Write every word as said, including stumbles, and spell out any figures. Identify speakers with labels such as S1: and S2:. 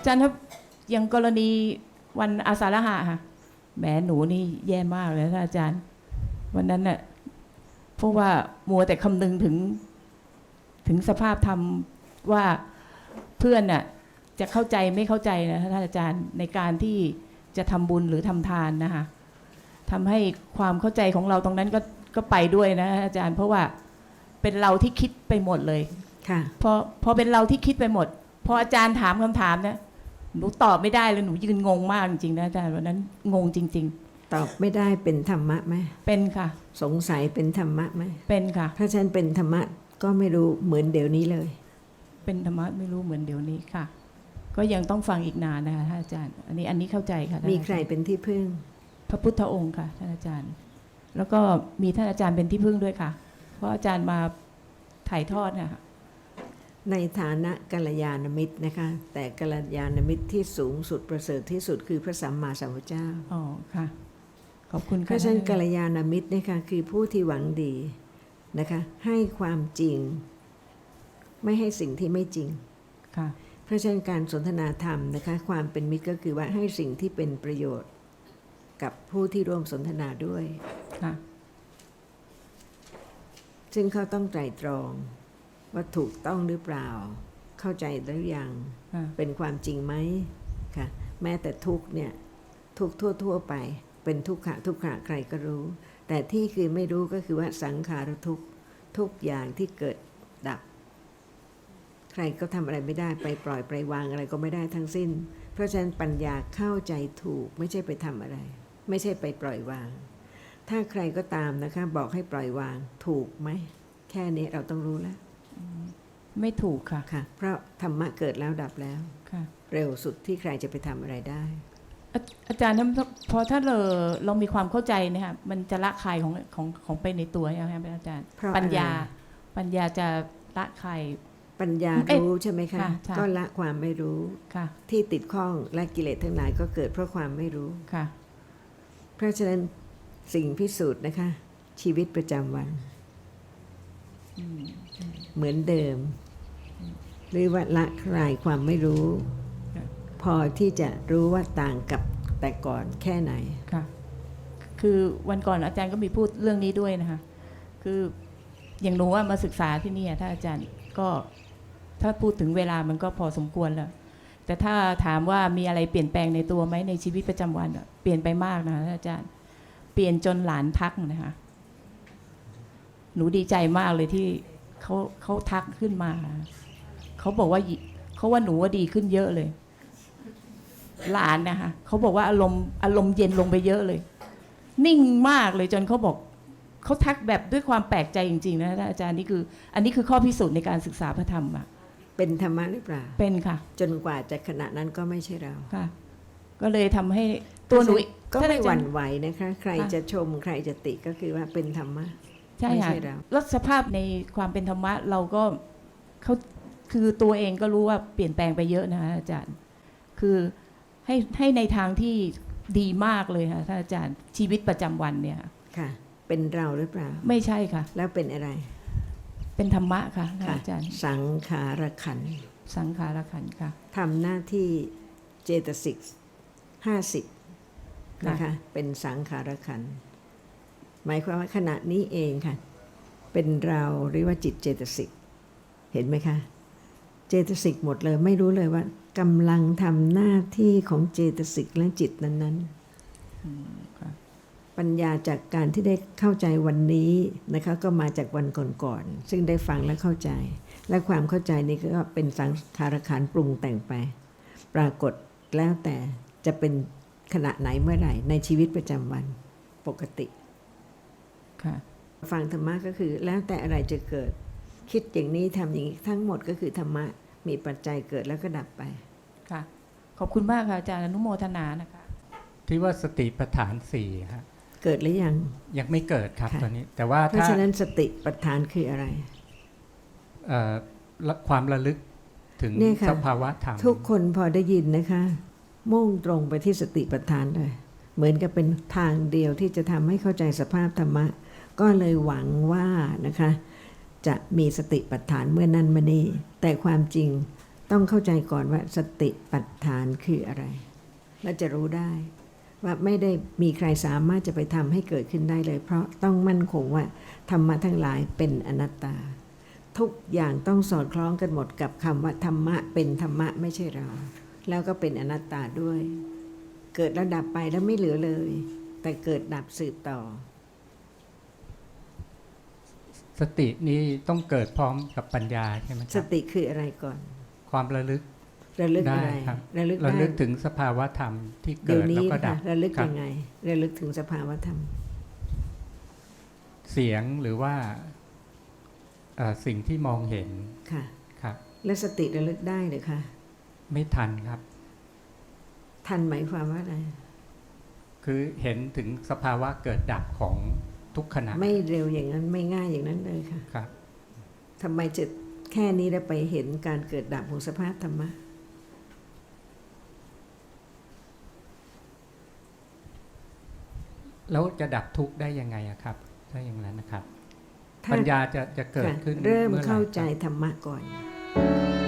S1: อาจารย์ครับอย่างกรณีวันอาสาฬหะค่ะแหมหนูนี่แย่มากเลยท่านอาจารย์วันนั้นน่ะเพราะว่ามัวแต่คำนึงถึงถึงสภาพธรรมว่าเพื่อนน่ะจะเข้าใจไม่เข้าใจนะท่านอาจารย์ในการที่จะทำบุญหรือทำทานนะคะทำให้ความเข้าใจของเราตรงนั้นก็ก็ไปด้วยนะอาจารย์เพราะว่าเป็นเราที่คิดไปหมดเลย
S2: ค่ะ
S1: พอพอเป็นเราที่คิดไปหมดพออาจารย์ถามคำถามเนี่ยหนูตอบไม่ได้เลยหนูยืนงงมากจริงๆนะอาจารย์วันนั้นงงจริง
S2: ๆตอบไม่ได้เป็นธรรมะไหม
S1: เป็นค่ะ
S2: สงสัยเป็นธรรมะไหม
S1: เป็นค่ะ
S2: ถ้าฉันเป็นธรรมะก็ไม่รู้เหมือนเดี๋ยวนี้เลย
S1: เป็นธรรมะไม่รู้เหมือนเดี๋ยวนี้ค่ะก็ยังต้องฟังอีกนานนะคะท่านอาจารย์อันนี้อันนี้เข้าใจค่ะ
S2: มีใครเป็นที่พึ่ง
S1: พระพุทธองค์ค่ะท่านอาจารย์แล้วก็มีท่านอาจารย์เป็นที่พึ่งด้วยค่ะเพราะอาจารย์มาถ่ายทอดนะคะ
S2: ในฐานะกัลยาณมิตรนะคะแต่กัลยาณมิตรที่สูงสุดประเสริฐที่สุดคือพระสัมมาสัมพุทธเจ้า
S1: อ๋อค่ะขอบคุณค่ะ
S2: เพราะฉะนั้นกัลยาณมิตรนะคะคือผู้ที่หวังดีนะคะให้ความจริงไม่ให้สิ่งที่ไม่จริง
S1: ค่ะ
S2: เพราะฉะนั้นการสนทนาธรรมนะคะความเป็นมิตรก็คือว่าให้สิ่งที่เป็นประโยชน์กับผู้ที่ร่วมสนทนาด้วย
S1: ค่ะ
S2: ซึ่งเขาต้องไตร่ตรองว่าถูกต้องหรือเปล่าเข้าใจหรือยังเป็นความจริงไหมค่ะแม้แต่ทุกเนี่ยทุกทั่วๆไปเป็นทุกขะทุกขะใครก็รู้แต่ที่คือไม่รู้ก็คือว่าสังขารทุกทุกอย่างที่เกิดดับใครก็ทำอะไรไม่ได้ไปปล่อยไปวางอะไรก็ไม่ได้ทั้งสิ้นเพราะฉะนั้นปัญญาเข้าใจถูกไม่ใช่ไปทำอะไรไม่ใช่ไปปล่อยวางถ้าใครก็ตามนะคะบอกให้ปล่อยวางถูกไหมแค่นี้เราต้องรู้แล้ว
S1: ไม่ถูกค่ะ
S2: ค่ะเพราะธรรมะเกิดแล้วดับแล้ว
S1: ค่ะ
S2: เร็วสุดที่ใครจะไปทำอะไรได้
S1: อาจารย์พอถ้าเราเรามีความเข้าใจเนี่ยค่ะมันจะละคายของของของไปในตัวใช่ไหมครับอาจารย์ปัญญาปัญญาจะละคาย
S2: ปัญญารู้ใช่ไหมคะก็ละความไม่รู้ที่ติดข้องและกิเลสทั้งหลายก็เกิดเพราะความไม่รู้
S1: ค่ะ
S2: เพราะฉะนั้นสิ่งพิสูจน์นะคะชีวิตประจำวันเหมือนเดิมหรือว่าละคลายความไม่รู้พอที่จะรู้ว่าต่างกับแต่ก่อนแค่ไหน
S1: ค่ะคือวันก่อนอาจารย์ก็มีพูดเรื่องนี้ด้วยนะคะคืออย่างหนูว่ามาศึกษาที่นี่ถ้าอาจารย์ก็ถ้าพูดถึงเวลามันก็พอสมควรแล้วแต่ถ้าถามว่ามีอะไรเปลี่ยนแปลงในตัวไหมในชีวิตประจำวันเปลี่ยนไปมากนะคะอาจารย์เปลี่ยนจนหลานทักนะคะหนูดีใจมากเลยที่เขาเขาทักขึ้นมาเขาบอกว่าเขาว่าหนูว่าดีขึ้นเยอะเลยหลานนะคะเขาบอกว่าอารมณ์อารมณ์เย็นลงไปเยอะเลยนิ่งมากเลยจนเขาบอกเขาทักแบบด้วยความแปลกใจจริงๆนะอาจารย์นี่คืออันนี้คือข้อพิสูจน์ในการศึกษาพระธรรมอะ
S2: เป็นธรรมะหรือเปล่า
S1: เป็นค่ะ
S2: จนกว่าจะขณะนั้นก็ไม่ใช่เรา
S1: ค่ะก็เลยทำให้ตัวหนู
S2: ก็ไม่หวั่นไหวนะคะใครจะชมใครจะติก็คือว่าเป็นธรรมะ
S1: ใช่ค่ะแล้วสภาพในความเป็นธรรมะเราก็เขาคือตัวเองก็รู้ว่าเปลี่ยนแปลงไปเยอะนะคะอาจารย์คือให้ให้ในทางที่ดีมากเลยค่ะท่านอาจารย์ชีวิตประจำวันเนี่ย
S2: ค่ะเป็นเราหรือเปล่า
S1: ไม่ใช่ค่ะ
S2: แล้วเป็นอะไร
S1: เป็นธรรมะค่ะอาจารย์
S2: สังขารขันธ์
S1: สังขารขันธ์ค่ะ
S2: ทำหน้าที่เจตสิกห้าสิบนะคะเป็นสังขารขันธ์หมายความว่าขณะนี้เองค่ะเป็นเราหรือว่าจิตเจตสิกเห็นไหมคะเจตสิกหมดเลยไม่รู้เลยว่ากำลังทำหน้าที่ของเจตสิกและจิตนั้นๆปัญญาจากการที่ได้เข้าใจวันนี้นะคะก็มาจากวันก่อนๆซึ่งได้ฟังและเข้าใจและความเข้าใจนี้ก็เป็นสังขารขันธ์ปรุงแต่งไปปรากฏแล้วแต่จะเป็นขณะไหนเมื่อไหร่ในชีวิตประจำวันปกติ
S1: ค่ะ
S2: ฟังธรรมะก็คือแล้วแต่อะไรจะเกิดคิดอย่างนี้ทำอย่างนี้ทั้งหมดก็คือธรรมะมีปัจจัยเกิดแล้วก็ดับไป
S1: ค่ะขอบคุณมากค่ะอาจารย์อนุโมทนานะคะ
S3: ที่ว่าสติปัฏฐานสี่ฮะ
S2: เกิดหรือยัง
S3: ยังไม่เกิดครับตอนนี้แต่ว่า
S2: เพราะฉะนั้นสติปัฏฐานคืออะไร
S3: ความระลึกถึงสภาวะธรรม
S2: ทุกคนพอได้ยินนะคะมุ่งตรงไปที่สติปัฏฐานเลยเหมือนกับเป็นทางเดียวที่จะทำให้เข้าใจสภาพธรรมะก็เลยหวังว่านะคะจะมีสติปัฏฐานเมื่อนั้นมานี้แต่ความจริงต้องเข้าใจก่อนว่าสติปัฏฐานคืออะไรและจะรู้ได้ว่าไม่ได้มีใครสามารถจะไปทำให้เกิดขึ้นได้เลย เพราะต้องมั่นคงว่าธรรมะทั้งหลายเป็นอนัตตาทุกอย่างต้องสอดคล้องกันหมดกับคำว่าธรรมะเป็นธรรมะไม่ใช่เราแล้วก็เป็นอนัตตาด้วยเกิดแล้วดับไปแล้วไม่เหลือเลยแต่เกิดดับสืบต่อ
S3: สตินี้ต้องเกิดพร้อมกับปัญญาใช่ไหมค
S2: ส
S3: รับ
S2: ติคืออะไรก่อน
S3: ความระลึก
S2: ระลึก
S3: ได้
S2: อะไร
S3: ครับ
S2: ระลึก
S3: ระ
S2: ได้
S3: ลึกถึงสภาวะธรรมที่
S2: เดี๋
S3: เกิ
S2: ยว
S3: ด
S2: นี้
S3: แล้วก็ดั
S2: ค่ะ
S3: บ
S2: ระลึก
S3: ครั
S2: ยั
S3: บ
S2: งไงระลึกถึงสภาวธรรม
S3: เสียงหรือว่าเอ่อสิ่งที่มองเห็น
S2: ค่ะ
S3: ครับ
S2: แล้วสติระลึกได้หรือคะ
S3: ไม่ทันครับ
S2: ทันหมายความว่าอะไร
S3: คือเห็นถึงสภาวะเกิดดับของทุกขณะ
S2: ไม่เร็วอย่างนั้นไม่ง่ายอย่างนั้นเลยค่ะ
S3: ครับ
S2: ทำไมจะแค่นี้แล้วไปเห็นการเกิดดับของสภาพธรรมะ
S3: แล้วจะดับทุกข์ได้ยังไงอะครับถ้าอย่างนั้นนะครับ
S2: ถ้า
S3: ปัญญาจะจะเกิด
S2: ค่ะ
S3: ขึ้น
S2: เริ่ม
S3: อไห
S2: เข้าใจ
S3: ครับ
S2: ธรรมะก่อน